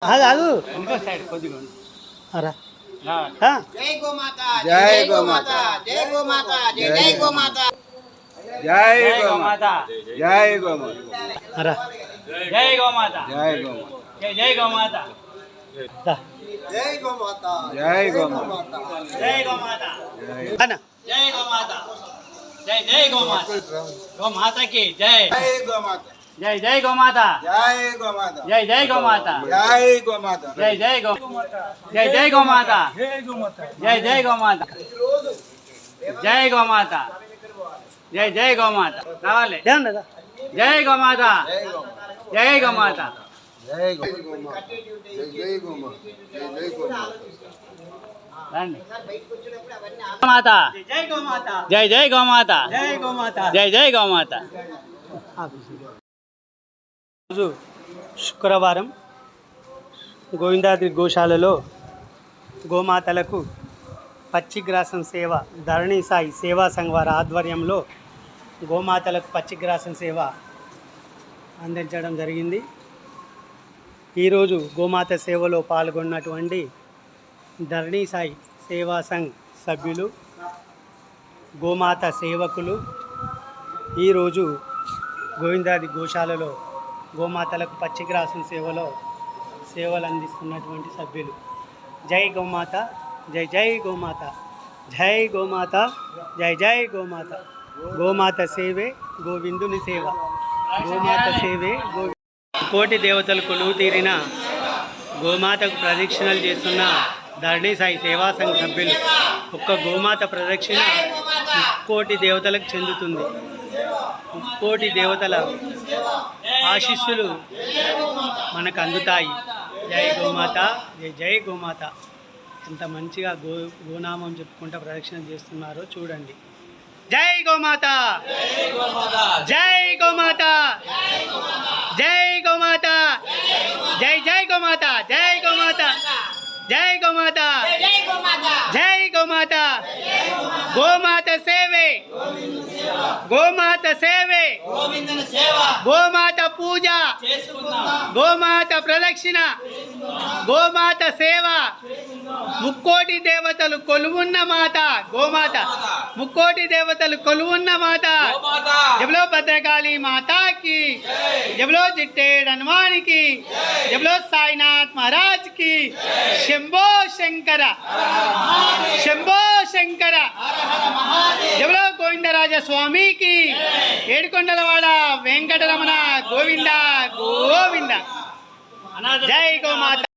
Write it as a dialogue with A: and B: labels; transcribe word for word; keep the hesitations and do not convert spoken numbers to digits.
A: కాదు
B: ఇంకో సైడ్ కొద్దిగా
A: అరా
C: జై గోమాత జై గోమాత జై గోమాత జై జై గోమాత
B: జై గోమాత జై గోమాత
A: అరా
B: జై గోమాత
C: జై గోమాత
B: జై జై గోమాత
C: జై గోమాత
B: జై గోమాత జై గోమాత
A: అన్న
B: జై గోమాత జై జై గోమాత గోమాతకి జై
C: జై గోమాత
B: జై జై గోమాత
C: జై గోమాత
B: జై జై గోమాత
C: జై గోమాత
B: జై జై గో జై జై గోమాత జై జై గోమాత జై గోమాత జై జై గోమాత రావాలి
A: దేవుడా
B: జై గోమాత జై గోమాత
C: జై గోమాత జై గోమాత జై గోమాత
B: రండి మాత
C: జై గోమాత
B: జై జై గోమాత
C: జై గోమాత
B: జై జై గోమాత
A: రోజు శుక్రవారం గోవిందాద్రి గోశాలలో గోమాతలకు పచ్చిగ్రాసం సేవ ధరణి సాయి సేవా సంఘ్ వారి ఆధ్వర్యంలో గోమాతలకు పచ్చిగ్రాసం సేవ అందించడం జరిగింది. ఈరోజు గోమాత సేవలో పాల్గొన్నటువంటి ధరణి సాయి సేవా సంఘ్ సభ్యులు, గోమాత సేవకులు ఈరోజు గోవిందాది గోశాలలో గోమాతలకు పచ్చిగ్రాసం సేవలో సేవలు అందిస్తున్నటువంటి సభ్యులు. జై గోమాత జై జై గోమాత జై గోమాత జై జై గోమాత. గోమాత సేవే గోవిందుని సేవ, గోమాత సేవే గో కోటి దేవతలు కొలువు తీరిన గోమాతకు ప్రదక్షిణలు చేస్తున్న ధరణి సాయి సేవా సంఘ సభ్యులు. ఒక్క గోమాత ప్రదక్షిణ కోటి దేవతలకు చెందుతుంది. కోటి దేవతల ఆశీస్సులు మనకు అందుతాయి. జై గోమాత జై జై గోమాత. ఎంత మంచిగా గో గోనామం చెప్పుకుంటూ ప్రదక్షిణ చేస్తున్నారో చూడండి. జై గోమాత జై గోమాత జై గోమాత జై జై గోమాత జై గోమాత జై గోమాత జై గోమాత. గోమాత సేవే గోమాత సేవే గోమాత పూజ గోమాత ప్రదక్షిణ గోమాత సేవ. ముక్కోటి దేవతలు కొలువున్న మాత గోమాత, ముక్కోటి దేవతలు కొలువున్న మాత. జబలో భద్రకాళి మాతాకి, జబలో జిట్టేడ్ హనుమానికి, జబలో సాయినాథ్ మహారాజ్ కి. శంభో శంకర శంభో శంకర. జబలో గోవిందరాజ స్వామికి, ఏడుకొండలవాడ వెంకటరమణ గోవింద గోవింద. జై గోమాత.